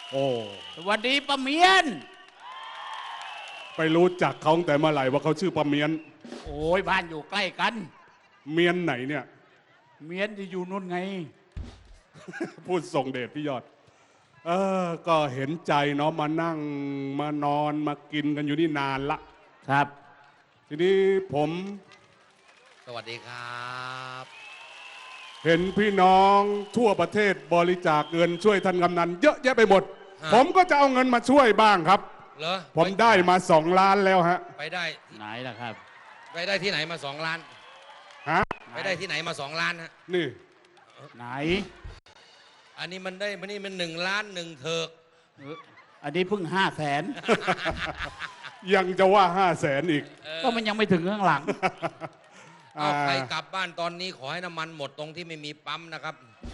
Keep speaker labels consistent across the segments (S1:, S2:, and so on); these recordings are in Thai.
S1: โอ้
S2: สวัสดีป้าเมียน
S1: ไปรู้จักเขาตั้งแต่เมื่อไหร่ว่าเขาชื่อป้าเมียน
S2: โอ้ยบ้านอยู่ใกล้กัน
S1: เมียนไหนเนี่ย
S2: เมียนที่อยู่นู่นไง
S1: พูดส่งเดชพี่ยอดก็เห็นใจเนาะมานั่งมานอนมากินกันอยู่นี่นานละ
S2: ครับ
S1: ทีนี้ผม
S3: สวัสดีครับ
S1: เห็นพี่น้องทั่วประเทศบริจาคเงินช่วยท่านกำนันเยอะแยะไปหมด ผมก็จะเอาเงินมาช่วยบ้างครับ
S3: เหรอ
S1: ผมได้มา2 ล้านแล้วฮะ
S3: ไปได้
S2: ไหนล่ะครับ
S3: ไปได้ที่ไหนมา2 ล้าน
S1: ฮะ
S3: ไปได้ที่ไหนมา2 ล้านฮะ
S1: นี่
S2: ไหน
S3: อันนี้มันได้มันนี่มัน1 ล้าน1เถิก
S2: อันนี้เพิ่ง500,000
S1: ยังจะว่า500,000อีก
S2: ก็มันยังไม่ถึงข้างหลัง
S3: เอาใครกลับบ้านตอนนี้ขอให้น้ำมันหมดตรงที่ไม่มีปั๊มนะครับ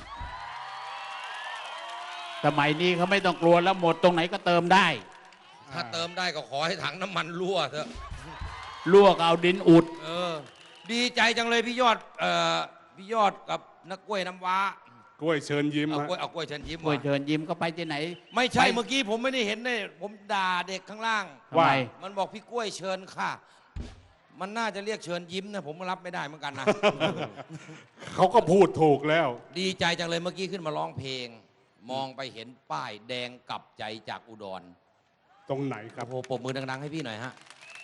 S2: สมัยนี้เขาไม่ต้องกลัวแล้วหมดตรงไหนก็เติมได้
S3: ถ้าเติมได้ก็ขอให้ถังน้ำมันรั่วเถอะ
S2: ลวกเอาดินอุด
S3: ดีใจจังเลยพี่ยอดพี่ยอดกับนักกล้วยน้ำว้าก
S1: ล้วยเชิญยิ้ม
S3: เอา
S1: ฮะ
S3: กล้วยเอากล้วยเชิญยิ้ม
S2: กล้วย
S3: มา
S2: เชิญยิ้มก็ไปที่ไหน
S3: ไม่ใช่
S2: ไป
S3: เมื่อกี้ผมไม่ได้เห็นเลยผมด่าเด็กข้างล่าง
S2: ทำไม
S3: มันบอกพี่กล้วยเชิญค่ะ มันน่าจะเรียกเชิญยิ้มนะผมรับไม่ได้เหมือนกันนะ
S1: เขาก็พูดถูกแล้ว
S3: ดีใจจังเลยเมื่อกี้ขึ้นมาร้องเพลง มองไปเห็นป้ายแดงกลับใจจากอุดร
S1: ตรงไหนครับ
S3: โอ้โหปรบมือดังๆให้พี่หน่อยฮะ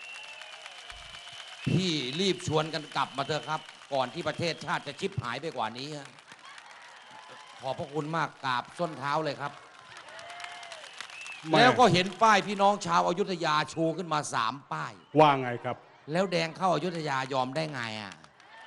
S3: พี่รีบชวนกันกลับมาเถอะครับ ก่อนที่ประเทศชาติจะชิบหายไปกว่านี้ฮะขอบพระคุณมากกราบส้นเท้าเลยครับ
S1: ไม่
S3: แล้วก็เห็นป้ายพี่น้องชาวอยุธยาชูขึ้นมา3 ป้าย
S1: ว่าไงครับ
S3: แล้วแดงเข้าอยุธยายอมได้ไงอ่ะ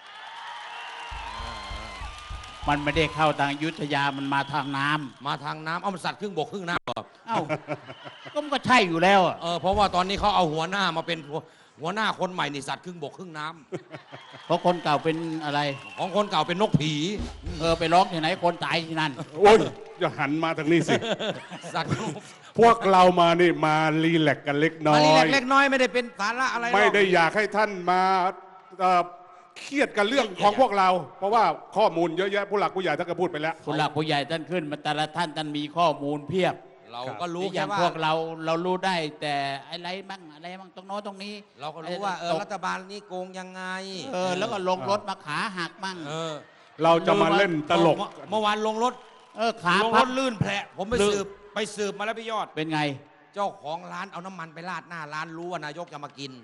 S2: มันไม่ได้เข้าทางอยุทธยามันมาทางน้ำ
S3: มาทางน้ำเอามันสัตว์ครึ่งบกครึ่งน้ำเหรอ
S2: เอ้าก็มันก็ใช่อยู่แล้วอะ
S3: เพราะว่าตอนนี้เขาเอาหัวหน้ามาเป็นหัวหน้าคนใหม่นี่สัตว์ครึ่งบกครึ่งน้ำ
S2: เพราะคนเก่าเป็นอะไร
S3: ของคนเก่าเป็นนกผี
S2: ไปร้องที่ไหนคนตายที่นั่น
S1: โอ้ยอย่าหันมาทางนี้สิ
S3: สัตว์
S1: พวกเรามานี่มารีแลกซ์กันเล็กน้อ
S3: มาลี
S1: ย
S3: เล็กๆน้อยไม่ได้เป็นสาระอะไรหรอก
S1: ไม่ได้อยากให้ท่านมาเครียดกันเรื่องของพวกเรา เพราะว่าข้อมูลเยอะแยะผู้หลักผู้ใหญ่ท่านก็พูดไปแล้ว
S2: ผู้หลักผู้ใหญ่ท่านขึ้นมาแต่ละท่านมีข้อมูลเพียบ
S3: เราก็รู้
S2: อ
S3: แค่
S2: ย่าง
S3: ว่า
S2: พวกเรารู้ได้แต่อะไรบ้างตรงโน้นตรงนี้
S3: เราก็รู้ว่า
S2: ตก
S3: รัฐบาลนี้โกงยังไง
S2: แล้วก็ลงรถมาขาหักมั่ง
S1: เราจะมาเล่นตลก
S3: เมื่อวานลงรถ
S2: ขา
S3: ลง
S2: พั
S3: ร
S2: บ
S3: ถลื่นแผลผมไป
S2: ลื่น
S3: สืบมาแล้วพี่ยอด
S2: เป็นไง
S3: เจ้าของร้านเอาน้ำมันไปราดหน้าร้านรู้ว่านายกจะมากิน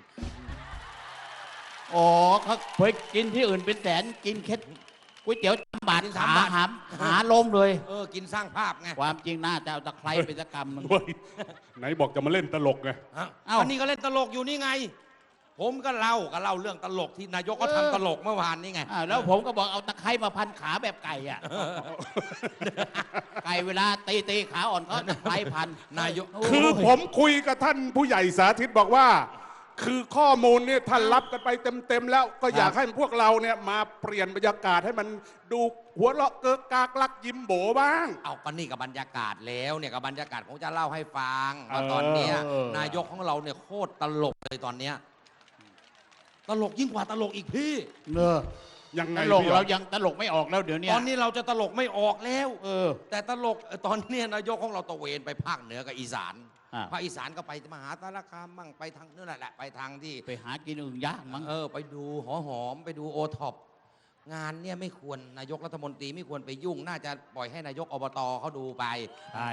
S2: อ๋อเขาเคยกินที่อื่นเป็นแสนกินแค่ก๋วยเตี๋ยว3 บาท
S3: กิน
S2: ขา
S3: 3 บาท
S2: หาล้มเลย
S3: กินสร้างภาพไง
S2: ความจริงน่าจะเอาตะไคร้ไปสักกำหนึ่ง
S1: เฮ้ยไหนบอกจะมาเล่นตลกไง
S2: เอ้า
S3: อันนี้ก็เล่นตลกอยู่นี่ไง ผมก็เล่าเรื่องตลกที่นายกก็ทำตลกเมื่อวานนี่ไง
S2: แล้วผมก็บอกเอาตะไคร้มาพันขาแบบไก่อ่ะไก่เวลาตีขาอ่อนก็ตะไคร้พัน
S3: นายก
S2: โย
S1: คือผมคุยกับท่านผู้ใหญ่สาธิตบอกว่า คือข้อมูลเนี่ยท่านรับกันไปเต็มๆแล้ว ก็อยากให้พวกเราเนี่ยมาเปลี่ยนบรรยากาศให้มันดูหัวเราะเกิกกากลักยิ้มโบบ้าง
S3: เอาก็นี่กับบรรยากาศแล้วเนี่ยกับบรรยากาศผมจะเล่าให้ฟังว่าตอนเนี้ยนายกของเราเนี่ยโคตรตลกเลยตอนเนี้ยตลกยิ่งกว่าตลกอีกพี่
S1: ยังไง
S2: ตลก
S1: พี่หย
S2: เรา
S1: อด
S2: ยังตลกไม่ออกแล้วเดี๋ยวนี้
S3: ตอนนี้เราจะตลกไม่ออกแล้ว
S2: แต่
S3: แต่ตลกตอนเนี้ยนายกของเราตระเวนไปภาคเหนือกับอีสาน ภาคอีสานก็ไปมหาสารคามมั่งไปทางนั่นแหละไปทางที่
S2: ไปหากินอื่นยากมั้ง
S3: ไปดูหอมไปดูโอท็อปงานเนี่ยไม่ควรนายกรัฐมนตรีไม่ควรไปยุ่ง น่าจะปล่อยให้นายกอบตเขาดูไป
S2: ใช่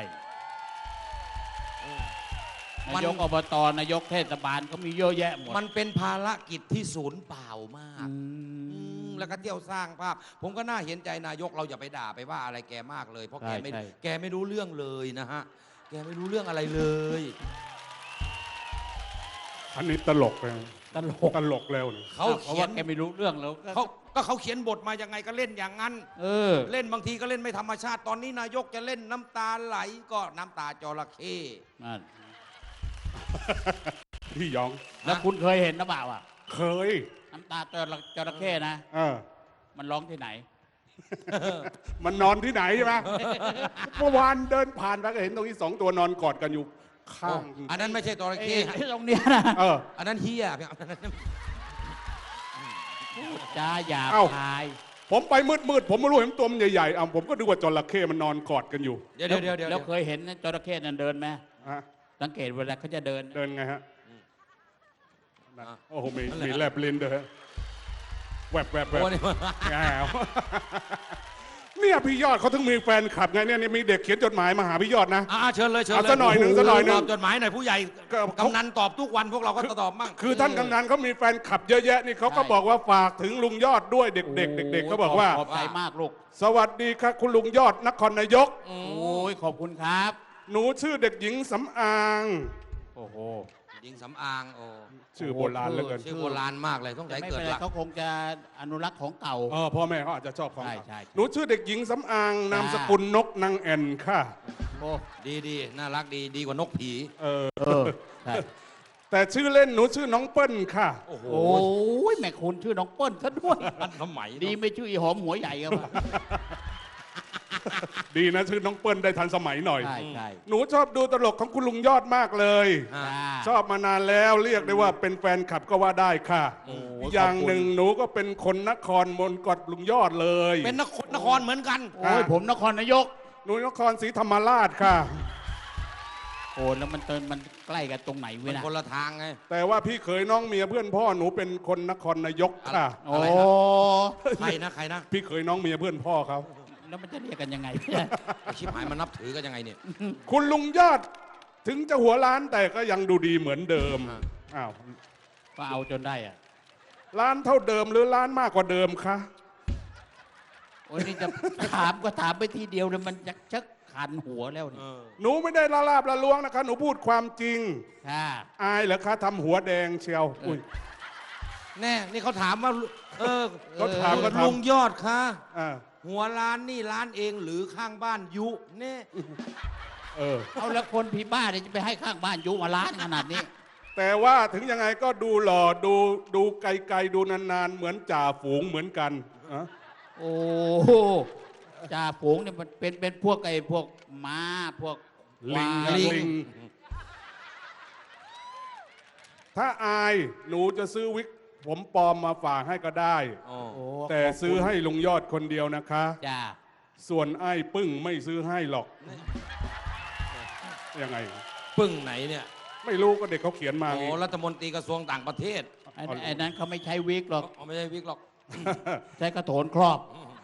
S3: มัน
S2: นายกอบตนายกเทศบาลก็มีเยอะแยะหมด
S3: มันเป็นภารกิจที่ศูนย์เปล่ามากแล้วก็เที่ยวสร้างภาพ ผมก็น่าเห็นใจนายกเราอย่าไปด่าไปว่าอะไรแกมากเลย เพราะแกไม่รู้เรื่องเลยนะฮะแกไม่รู้เรื่องอะไรเลย
S1: อันนี้ตลกเลย
S2: ตลก
S1: ตลกแล้วเนี่ย
S3: เขา
S2: เพราะ
S3: เขีย
S2: ว่าน แกไม่รู้เรื่องแล้ว
S3: เขาเขียนบทมายังไงก็เล่นอย่างนั้นเล่นบางทีก็เล่นไม่ธรรมชาติตอนนี้นายกจะเล่นน้ำตาไหลก็น้ำตาจระเข้
S2: นั่น
S1: พี่หยอง
S2: แล้วคุณเคยเห็นนะเปล่าอ่ะ
S1: เคย
S2: น้ำตาจระเข้นะ มันร้องที่ไหน
S1: มันนอนที่ไหนใช่ไหม เมื่อวานเดินผ่านไปก็เห็นตรงนี้2 ตัวนอนกอดกันอยู่ข้าง
S3: อันนั้นไม่ใช่จระเข้
S2: ตรงเนี้ยนะ
S3: อันนั้นเฮีย
S2: จ้าหยาบ
S1: เอ้า
S2: คาย
S1: ผมไปมืดผมไม่รู้เห็นตัวมันใหญ่ๆผมก็ดูว่าจระเข้มันนอนกอดกันอยู่
S3: เดี๋ยว
S2: แล้วเคยเห็นจระเข้นั่นเดินไหม
S1: ฮะ
S2: สังเกตเวลาเขาจะเดิน
S1: เดินไงฮะโอ้โหมีแลบลิ้นด้วยฮะแวบ
S3: โอ้นี่
S1: แง่วเนี่ยพี่ยอดเขาถึงมีแฟนคลับไงเนี่ยมีเด็กเขียนจดหมายมาหาพี่ยอดนะ
S3: เชิญเลยเชิญเลย
S1: เอาสักหน่อยหนึ่งสักหน่อยหนึ่ง
S3: ตอบจดหมายหน่อยผู้ใหญ่
S1: ก็
S3: กำนันตอบทุกวันพวกเราก็ตอบมั่ง
S1: คือท่านกำนันเขามีแฟนคลับเยอะแยะนี่เขาก็บอกว่าฝากถึงลุงยอดด้วยเด็กๆเด็กๆเขาบอกว่า
S2: ขอบใจมากลูก
S1: สวัสดีครับคุณลุงยอดนครนายก
S2: โอ้ยขอบคุณครับ
S1: หนูชื่อเด็กหญิงสำอาง
S2: โอ้โห
S3: หญิงสำอางโอ้
S1: ชื่อโบราณเหลือเกิน
S3: ชื่อโบราณมากเลยต้อง
S2: แต่
S3: ใช้
S2: ไม่
S3: เกิ
S2: เป็
S3: ด
S2: นไร
S3: หลัก
S2: เขาคงจะอนุรักษ์ของเก่า
S1: พ่อแม่เขาอาจจะชอบของ
S2: ใช่
S1: เขา
S2: ใช่
S1: หนูชื่อเด็กหญิงสำอางนามสกุลนกนางแอ่นค่ะ
S2: โอ้
S3: ดีน่ารักดีกว่านกผี
S2: ใช่
S1: แต่ชื่อเล่นหนูชื่อน้องเปิ้ลค่ะ
S3: โอ้โห
S2: โอ้ยแม่คุณชื่อน้องเปิ้ลซะด้วย
S3: ทันสมัย
S2: ดีไม่ชื่ออีหอมหัวใหญ่ครับ
S1: ดีนะชื่อน้องเปิ้ลได้ทันสมัยหน่อย
S2: ใช่ใช่
S1: หนูชอบดูตลกของคุณลุงยอดมากเลย ชอบมานานแล้วเรียกได้ว่าเป็นแฟนคลับก็ว่าได้ค่ะ อย่างหนึ่งหนูก็เป็นคนนครมนกอดลุงยอดเลย
S3: เป็นนครเหมือนกัน
S2: โอ้ยผมนครนายก
S1: หนูนครศรีธรรมราชค่ะ
S2: โอ้แล้วมันใกล้กันตรงไหน
S3: เป็
S2: เว้ย
S3: น
S2: นะ
S3: คนละทางไง
S1: แต่ว่าพี่เขยน้องเมียเพื่อนพ่อหนูเป็นคนนครนายกค่ะ
S2: โอ้
S3: ใครนะ
S1: พี่เขยน้องเมียเพื่อนพ่อเขา
S2: แล้วมันจะเรียกกันยังไง
S3: ไอ้ชิบหายมันนับถือกันยังไงเนี่ย
S1: คุณลุงยอดถึงจะหัวล้านแต่ก็ยังดูดีเหมือนเดิมอ้าว
S2: ก็เอาจนได้อะ
S1: ล้านเท่าเดิมหรือล้านมากกว่าเดิมคะ
S2: โอ้ยนี่จะถามก็ถามไปทีเดียวเลยมันชักคันหัวแล้วนี่
S1: หนูไม่ได้ละลาบละล้วงนะคะ หนูพูดความจริง
S2: ค่ะ
S1: อายเหรอคะทำหัวแดงเชียวอุ้ย
S3: แน่นี่เขาถามว่า
S1: เขาถาม
S3: ลุงยอดคะ
S1: อ่า
S3: หัวร้านนี่ร้านเองหรือข้างบ้านยุแน่
S2: เอาแล้วคนผีบ้าเนี่ยจะไปให้ข้างบ้านยุมาล้านขนาดนี้
S1: แต่ว่าถึงยังไงก็ดูหล่อดูไกลๆดูนานๆเหมือนจ่าฝูงเหมือนกันอะ
S2: โอ้โหจ่าฝูงเนี่ยมันเป็นพวกพวกม้าพวก
S1: ลิง
S2: ควาย
S1: ลิง ถ้าอายหนูจะซื้อวิกผมปลอมมาฝากให้ก็ได้
S3: โอ้
S2: โอ้
S1: แต่ซื้อให้ลุงยอดคนเดียวนะคะ
S2: จ้า
S1: ส่วนไอ้ปึ้งไม่ซื้อให้หรอกยังไง
S3: ปึ้งไหนเนี่ย
S1: ไม่รู้ก็เด็กเขาเขียนมา
S3: โอ้
S1: งี้
S3: รัฐมนตรีกระทรวงต่างประเทศ
S2: ไอ้นั้นเขาไม่ใช้วิกหรอก
S3: อ๋อไม่ใช่วิกหรอก
S2: ใช้กระโถนครอบ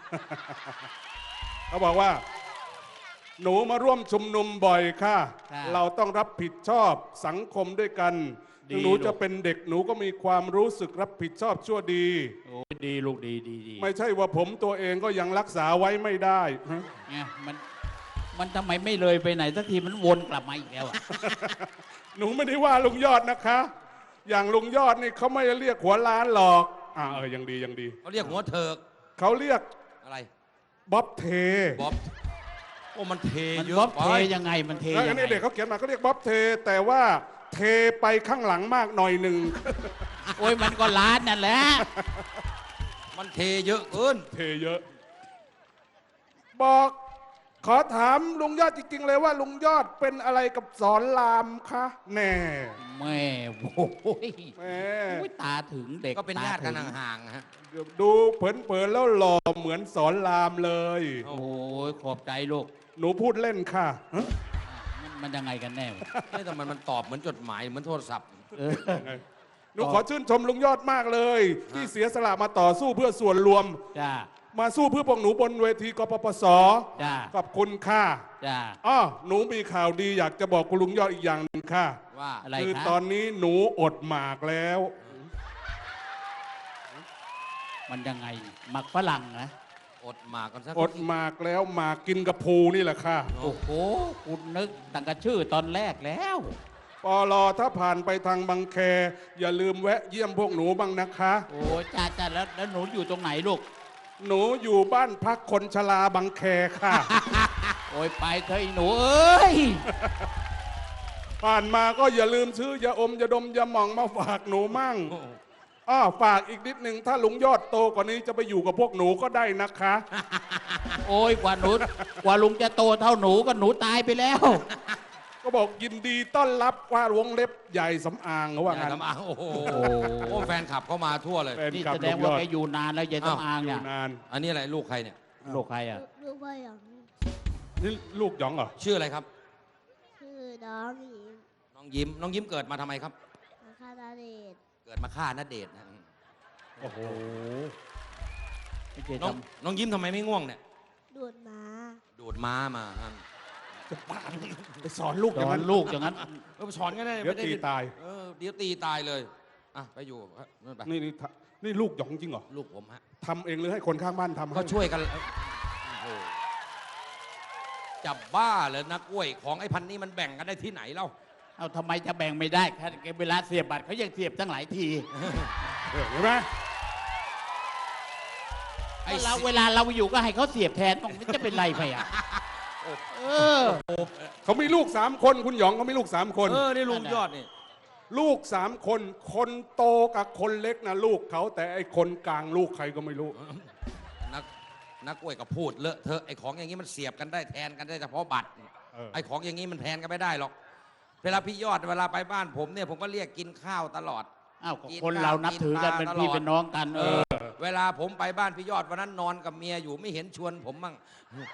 S1: เขาบอกว่า หนูมาร่วมชุมนุมบ่อยค่ะ
S2: ค่ะ
S1: เราต้องรับผิดชอบสังคมด้วยกัน
S2: ดี
S1: ถึงหนูจะเป็นเด็กหนูก็มีความรู้สึกรับผิดชอบชั่วดี
S2: โอ้ดีลูกดี
S1: ไม่ใช่ว่าผมตัวเองก็ยังรักษาไว้ไม่ได้ฮะ
S2: เนี่ยมันทำไมไม่เลยไปไหนสักทีมันวนกลับมาอีกแล้วอะ
S1: หนูไม่ได้ว่าลุงยอดนะคะ อย่างลุงยอดนี่เขาไม่ได้เรียกหัวล้านหรอกยังดียังดี
S3: เขาเรียกหัวเถิก
S1: เขาเรียก
S3: อะไร
S1: บ๊อบเท
S3: บ๊อบโอ้มันเท
S2: มัน
S3: เย
S2: บ๊อ
S3: อะ
S2: บ
S3: ไป
S2: เทยังไงมันเท
S1: แล้ว
S2: ยั
S1: อัน
S2: ง
S1: นี้
S2: ไง
S1: เด็กเขาเขียนมาเขาเรียกบ๊อบเท แต่ว่าเทไปข้างหลังมากหน่อยหนึ่ง
S2: โอ้ยมันก็ล้านนั่นแหละ
S3: มันเทเยอะเกิน
S1: เทเยอะ บอกขอถามลุงยอดจริงๆเลยว่าลุงยอดเป็นอะไรกับสอนรามคะแน่
S2: แม่โอ้ย
S1: แม่
S2: โอ้ยตาถึงเด็ก
S3: ก็เป็นญาติกัน
S2: ตถึง
S3: ห่างๆฮะ
S1: ดูเผินๆแล้วหล่อเหมือนสอนรามเลย
S2: โอ้ยขอบใจลูก
S1: หนูพูดเล่นค่ะฮะ
S2: มันยังไงกันแน่วะ
S3: ไม่แต่มันตอบเหมือนจดหมายเหมือนโทรศัพท์
S2: เออ
S1: หนูขอชื่นชมลุงยอดมากเลย ที่เสียสละมาต่อสู้เพื่อส่วนรวม
S2: จ้า
S1: มาสู้เพื่อพวกหนูบนเวทีกปปส
S2: จ้า
S1: ขอบคุณค่ะ
S2: จ้า
S1: อ้อหนูมีข่าวดีอยากจะบอกคุณลุงยอดอีกอย่างหนึ่งค่ะ
S3: ว่า
S2: อะไร
S1: คือ
S2: คะ
S1: ตอนนี้หนูอดหมากแล้ว
S2: มันยังไงหมักฝรั่งนะ
S3: อดหมากกันสัก
S1: อดหมากแล้วหมากกินกับภูนี่แหละค่ะ
S2: โอ้โหคุณนึกตั้งแต่ชื่อตอนแรกแล้ว
S1: ปลอถ้าผ่านไปทางบางแค อย่าลืมแวะเยี่ยมพวกหนูบ้างนะคะ
S2: โอ้ยจ้าแล้วหนูอยู่ตรงไหนลูก
S1: หนูอยู่บ้านพักคนชราบางแคค่ะ
S2: โอ้ยไปเถอะไอ้หนูเอ้ย
S1: ผ่านมาก็อย่าลืมซื้อยาอมยาดมยาหม่องมาฝากหนูมั่งฝากอีกนิดหนึ่งถ้าลุงยอดโตกว่านี้จะไปอยู่กับพวกหนูก็ได้นะคะ
S2: โอ้ยกว่าลุงจะโตเท่าหนูก็หนูตายไปแล้ว
S1: ก็บอกยินดีต้อนรับว่าวงเล็บใหญ่สำอางเขาว่า
S3: ใหญ่
S1: งั้น
S3: สำอางโอ้โหโอ้แฟนคลับเข้ามาทั่วเลย
S1: แฟน
S2: นี่
S1: คลับ
S2: แสด
S1: ลุ
S2: ง
S1: งย
S2: ว่า
S1: อด
S2: แกอยู่นานแล้วยายต้องอาง
S1: อ
S2: เนี่ย
S1: ยู่นาน
S3: อันนี้อะไรลูกใครเนี่ย
S2: ลูกใครอ่ะ
S4: ลูกพ่อหยอง
S1: นี่ลูกหยองเหรอ
S3: ชื่ออะไรครับ
S4: ชื่อน้องหญิง
S3: น้องยิ้มน้องยิ้มเกิดมาทำไมครับ
S4: อาคาดาเดช
S3: เกิดมาฆ่าณเดชน์นะ
S1: โอ้โห
S2: ไม่ใช่
S3: น้อง
S2: ท
S3: น้องยิ้มทำไมไม่ง่วงเนี่ย
S4: ดูดม้า
S3: ดูดม้ามาฮะ
S1: ไปสอนลูก
S2: ำ
S1: อย่าง
S2: สอ
S1: นั้น น
S2: ลูกอย่างนั้น
S3: เออสอนกันได้
S1: เดี๋ยว
S3: ไม่ไ
S1: ตีตาย
S3: เดี๋ยวตีตายเลยอ่ะไปอยู่นู่นไป
S1: นี่ลูกหยองจริงเหรอ
S3: ลูกผมฮะ
S1: ทำเองหรือให้คนข้างบ้านทำให้
S3: ก็ช่วยกันโอ้โหจับบ้าเลยนะกล้วยของไอ้พันนี้มันแบ่งกันได้ที่ไหนเล่า
S2: เอาทำไมจะแบ่งไม่ได้แค่เวลาเสียบบัตรเขายังเสียบตั้งหลายที
S1: เห็นไหม
S3: ไอ้
S2: ก็เราเวลาเราอยู่ก็ให้เขาเสียบแทนมันจะเป็นไรไปอ่ะเออ
S1: เขามีลูก3 คนคุณหยองเขามีลูก3 คน
S3: นี่ลุงยอดนี่
S1: ลูก3 คน คนโตกับคนเล็กนะลูกเขาแต่ไอ้คนกลางลูกใครก็ไม่รู้
S3: นักกล้วยก็พูดเลอะเทอะไอ้ของอย่างนี้มันเสียบกันได้แทนกันได้เฉพาะบัตร ไอ้ของอย่างนี้มันแทนกันไม่ได้หรอกเวลาพี่ยอดเวลาไปบ้านผมเนี่ยผมก็เรียกกินข้าวตลอด
S2: อ้าวคนเรานับถือกันเป็นพี่เป็นน้องกัน
S3: เวลาผมไปบ้านพี่ยอดวันนั้นนอนกับเมียอยู่ไม่เห็นชวนผมมั่ง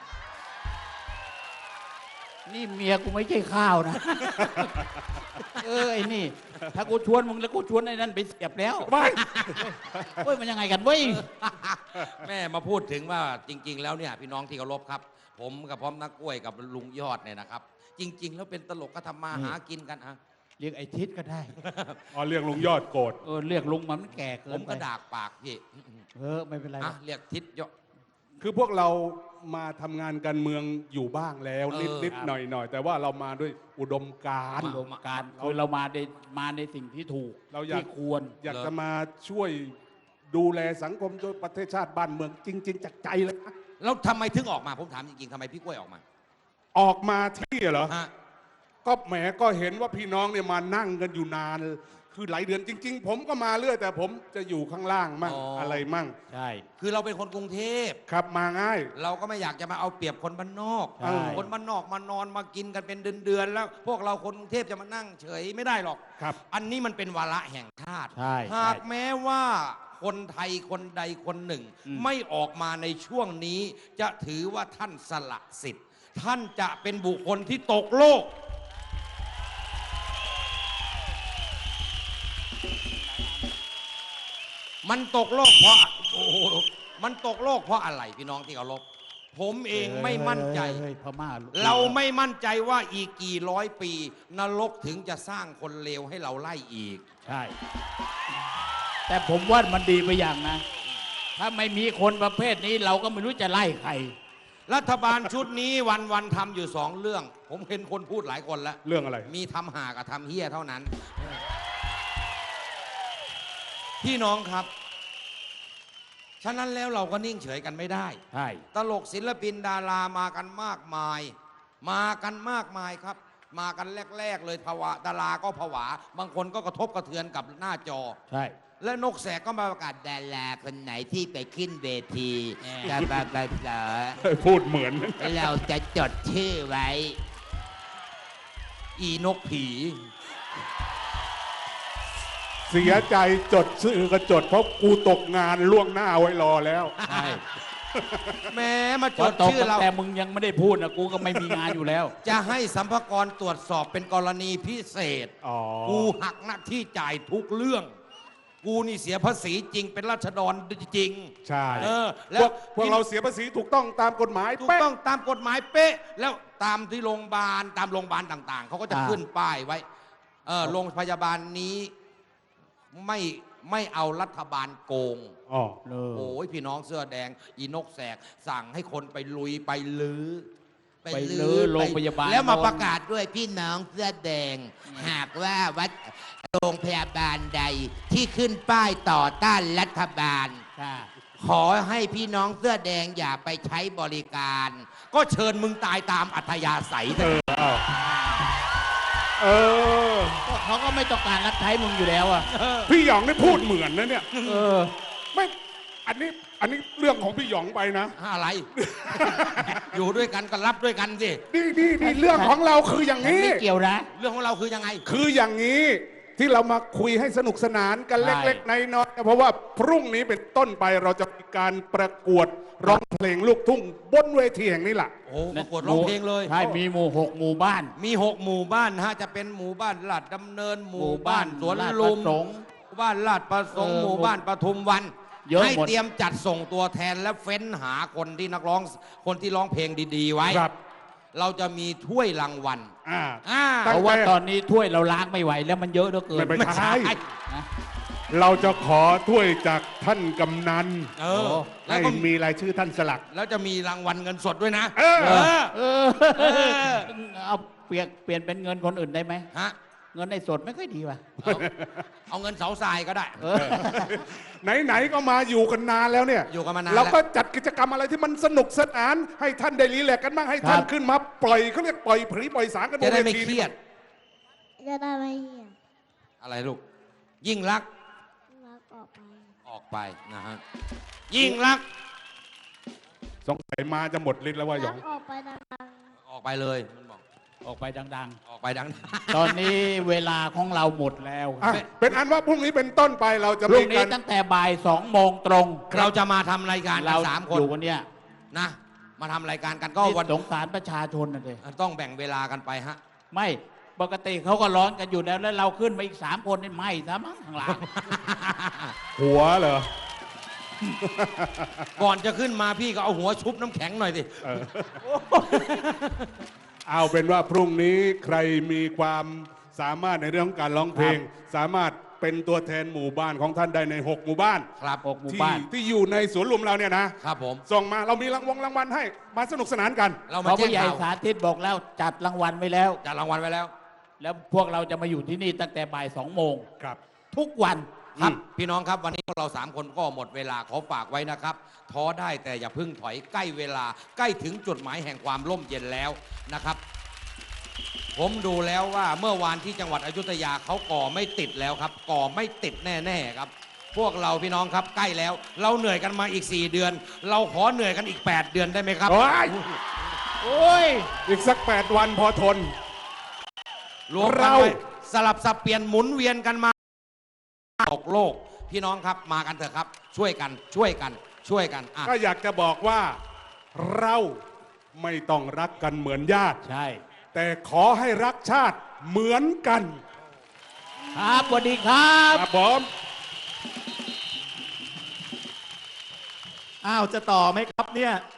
S2: นี่เมียกูไม่ใช่ข้าวนะ ไอ้นี่ ถ้ากูชวนมึงแล้วกูชวนไอ้นั่นไปเสียบแล้ว
S1: ไม่
S2: เฮ้ยมันยังไงกันเว้ย
S3: แม่มาพูดถึงว่าจริง ๆ แล้วเนี่ยพี่น้องที่เคารพครับ ผมกับพร้อมนักกล้วยกับลุงยอดเนี่ยนะครับ จริง ๆ แล้วเป็นตลกก็ทำมาหากินกันอะ
S2: เรียกไอ้ทิศก็ได้
S1: อ๋อเรียกลุงยอดโกรธ
S2: เรียกลุงมันแก่เกิ
S3: ผ
S2: น
S3: ม
S2: ไป
S3: ก็ดากปากพี่
S2: ไม่เป็นไร
S3: อ่ะเรียกทิศยอด
S1: คือพวกเรามาทำงานการเมืองอยู่บ้างแล้ว
S3: เออ
S1: นิดๆหน่อยๆแต่ว่าเรามาด้วยอุดมการณ์
S2: อุดมการณ์คือเรามาในสิ่งที่ถูก
S1: เราอยาก
S2: ที่ควร
S1: อยากจะมาช่วยดูแลสังคมช่วยประเทศชาติบ้านเมืองจริง ๆจากใจเลยนะ
S3: แล้วทำไมถึงออกมาผมถามจริงๆทำไมพี่กล้วยออกมา
S1: ออกมาที่เหรอ
S3: ฮะ
S1: ก็แหมก็เห็นว่าพี่น้องเนี่ยมานั่งกันอยู่นาน คือหลายเดือนจริง ๆ ผมก็มาเรื่อยแต่ผมจะอยู่ข้างล่างมั่งอะไรมั่ง
S2: ใช่
S3: คือเราเป็นคนกรุงเทพ
S1: ครับมาง่าย
S3: เราก็ไม่อยากจะมาเอาเปรียบคนบ้านนอก
S2: ใช่
S3: คนบ้านนอกมานอนมากินกันเป็นเดือนๆแล้ว พวกเราคนกรุงเทพจะมานั่งเฉยไม่ได้หรอก
S1: ครับ
S3: อันนี้มันเป็นวาระแห่งชาติ
S2: ใช่
S3: หากแม้ว่าคนไทยคนใดคนหนึ่ง ไม่ออกมาในช่วงนี้ จะถือว่าท่านสละสิทธิ์ ท่านจะเป็นบุคคลที่ตกโลก มันตกโลกเพราะโอ้โหมันตกโลกเพราะอะไรพี่น้องที่เคารพผมเองไม่มั่นใจ
S2: เฮ้ยพม่า
S3: เราไม่มั่นใจว่าอีกกี่ร้อยปี นรกถึงจะสร้างคนเลวให้เราไล่อีก
S2: ใช่ แต่ผมว่ามันดีไปอย่างนะ ถ้าไม่มีคนประเภทนี้เราก็ไม่รู้จะไล่ใคร
S3: รัฐบาลชุดนี้วันๆทำอยู่สองเรื่อง ผมเห็นคนพูดหลายคนแล้ว
S1: เรื่องอะไร
S3: มีทำหากับทำเฮี้ยเท่านั้น พี่น้องครับ ฉะนั้นแล้วเราก็นิ่งเฉยกันไม่ได้
S2: ใช่
S3: ตลกศิลปินดารามากันมากมาย มากันมากมายครับ มากันแรก ๆ เลยภาวะดาราก็ผวา บางคนก็กระทบกระเทือนกับหน้าจอ
S2: ใช่
S3: และนกแสกก็มาประกาศดาราคนไหนที่ไปขึ้นเวที
S2: แหม
S1: พูดเหมือน
S3: เราจะจดชื่อไว้ อีนกผี
S1: เสียใจจดชื่อก็จดเพราะกูตกงานล่วงหน้าไว้รอแล้ว
S2: ใช่
S3: แม้มาจ
S2: พอ
S3: ด
S2: ตก
S3: ชื่อ
S2: ตั้ง
S3: เรา
S2: แต่มึงยังไม่ได้พูดนะกูก็ไม่มีงานอยู่แล้ว
S3: จะให้สัมภากระตรวจสอบเป็นกรณีพิเศษ
S1: อ๋อ
S3: กูหักหน้าที่จ่ายทุกเรื่อง กูนี่เสียภาษีจริงเป็นราษฎรจริง
S1: ใช่
S3: แล้
S1: พวกเราเสียภาษีถูกต้องตามกฎหมาย
S3: ถูก
S1: เป๊ะ
S3: ต้องตามกฎหมายเป๊ะ แล้วตามที่โรงพยาบาลตามโรงพยาบาลต่าง ๆ เขาก็จะ
S2: อ่า
S3: ขึ้นป้ายไว้โรงพยาบาลนี้ไม่เอารัฐบาลโกง
S1: อ๋อ
S3: โอ้ยพี่น้องเสื้อแดง อีนกแสกสั่งให้คนไปลุยไปลื้อ
S2: ไปลื้อโรงพยาบาล
S3: แล้วมาประกาศด้วยพี่น้องเสื้อแดง หากว่าวัดโรงพยาบาลใดที่ขึ้นป้ายต่อต้านรัฐบาล
S2: ค่ะ
S3: ขอให้พี่น้องเสื้อแดงอย่าไปใช้บริการ ก็เชิญมึงตายตามอัธยาศัยเถอะ
S1: เออ
S2: ก็เขาก็ไม่ต้องการรับใช้มึงอยู่แล้วอ่ะ
S1: พี่หยองได้พูดเหมือนนะเนี่ย
S2: เออ
S1: ไม่อันนี้เรื่องของพี่หยองไปนะ
S3: อะไร อยู่ด้วยกันก็รับด้วยกันสิ
S1: นี่เรื่องของเราคืออย่าง
S2: ฉัน
S1: นี้
S2: ไม่เกี่ยวนะ
S3: เรื่องของเราคือยังไง
S1: คืออย่างนี้ที่เรามาคุยให้สนุกสนานกัน
S2: ใช่
S1: เล็กๆน้อยๆเพราะว่าพรุ่งนี้เป็นต้นไปเราจะมีการประกวดร้องเพลงลูกทุ่งบนเวทีแห่งนี้แหละ
S3: โอ้ประกวดร้องเพลงเลย
S2: ใช่มีหมู่6 หมู่บ้าน
S3: มี6 หมู่บ้านนะฮะจะเป็นหมู่บ้านลาดดำเนินหมู่บ้านสวน
S2: ลาด
S3: ลุม
S2: ประสงค์
S3: หมู่บ้านลาดประสงค์
S2: เออ
S3: หมู่บ้านปทุมวัน
S2: เยอะ
S3: ให้
S2: หมด
S3: เตรียมจัดส่งตัวแทนและเฟ้นหาคนที่นักร้องคนที่ร้องเพลงดีๆไว้
S1: ครับ
S3: เราจะมีถ้วยรางวัล
S1: อ่า
S3: อ่า
S1: ตั้
S2: เพ
S1: ง
S2: ราะว่าตอนนี้ถ้วยเราล้างไม่ไหวแล้วมันเยอะเหลือเกิน
S1: ไม่ใช่
S2: นะ
S1: เราจะขอถ้วยจากท่านกำนัน
S3: เออแล้
S1: ให้
S3: วก็
S1: มีรายชื่อท่านสลัก
S3: แล้วจะมีรางวัลเงินสดด้วยนะ
S1: เออ
S3: เออ
S2: เออเอาเปลี่ยนเป็นเงินคนอื่นได้ไหม
S3: ฮะ
S2: เงินในสดไม่ค่อยดีว่ะ
S3: เอาเงินเสาทรายก็ได้
S2: เออ
S1: ไหนๆก็มาอยู่กันนานแล้วเนี่ย
S3: อยู่กันมานาน
S1: เรา
S3: แล้ว
S1: ก็จัดกิจกรรมอะไรที่มันสนุกสนาน ให้ท่านได้รีแลกซ์กันบ้างให้ท่าน
S2: ครับ
S1: ขึ้นมาปล่อยเขาเรียกปล่อยผีปล่อยสารกันบ
S3: จะ
S1: น
S3: ได้
S1: เว
S3: ไม่
S1: ที
S3: เครียด
S4: จะได้ไม่เหี่ย
S3: อะไรลูก ยิ่งรัก
S4: รักออกไป
S3: ออกไปนะฮะ ยิ่งรัก
S1: สงสัยมาจะหมดฤทธิ์แล้วว่าหย
S4: รั
S1: อก ง
S4: ออกไปดัง
S3: ออกไปเลยมันบอก
S2: ออกไปดัง
S3: ออกไปดัง
S2: ๆ ตอนนี้เวลาของเราหมดแล้ว
S1: อ่ะเป็นอันว่าพรุ่งนี้เป็นต้นไปเราจะ
S2: พรุ่
S1: มี
S2: งนี้
S1: การ
S2: ตั้งแต่บ่าย2 โมงตรง
S3: เราจะมาทำรายการกั
S2: เรา
S3: น3 คน
S2: อยู่กันเนี่ย
S3: นะ มาทำรายการกันก็
S2: นี่
S3: วัน
S2: สงสารประชาชนนะเลย
S3: ต้องแบ่งเวลากันไปฮะ
S2: ไม่ปกติเขาก็ร้อนกันอยู่แล้วแล้วเราขึ้นมาอีก3 คนนี่ไม่ซะมั้งข้างหลัง
S1: หัวเหรอ
S3: ก่อนจะขึ้นมาพี่ก็เอาหัวชุบน้ำแข็งหน่อยสิ
S1: เอาเป็นว่าพรุ่งนี้ใครมีความสามารถในเรื่องของการร้องเพลง สามารถเป็นตัวแทนหมู่บ้านของท่านได้ใน 6 หมู่บ้าน
S3: ครับ
S2: 6 หมู่
S1: ที่
S2: บ้าน
S1: ที่อยู่ในสวนลุมเราเนี่ยนะครับ
S3: ผม
S1: ส่งมาเรามีรางวัลให้มาสนุกสนานกัน
S3: เรา
S2: เพ
S3: มา
S2: ราะ
S3: แจ้
S2: ผู้
S3: ง
S2: ใหญ่
S3: ข่าว
S2: สาธิตบอกแล้วจัดรางวัลไว้แล้ว
S3: จัดรางวัลไว้แล้ว
S2: แล้วพวกเราจะมาอยู่ที่นี่ตั้งแต่บ่าย2 โมง
S1: ครับ
S2: ทุกวัน
S3: ครับพี่น้องครับวันนี้พวกเรา3 คนก็หมดเวลาขอฝากไว้นะครับท้อได้แต่อย่าเพึ่งถอยใกล้เวลาใกล้ถึงจุดหมายแห่งความร่มเย็นแล้วนะครับ ผมดูแล้วว่าเมื่อวานที่จังหวัดอยุธยาเขาก่อไม่ติดแล้วครับ ก่อไม่ติดแน่ๆครับ พวกเราพี่น้องครับใกล้แล้ว เราเหนื่อยกันมาอีก4 เดือน เราขอเหนื่อยกันอีก8 เดือนได้ไหมครับ
S1: โอ้ย
S2: โอ้ย
S1: อีกสัก 8 วันพอทน
S3: รวมกัน
S1: เรา
S3: ไว้สลับสับเปลี่ยนหมุนเวียนกันมาตกโลก พี่น้องครับมากันเถอะครับ ช่วยกันอ่ะ
S1: ก็อยากจะบอกว่าเราไม่ต้องรักกันเหมือนญาติ
S2: ใช่
S1: แต่ขอให้รักชาติเหมือนกัน
S2: ครับสวัสดีครับ
S1: ครับผม
S5: อ้าว จะต่อไหมครับเนี่ย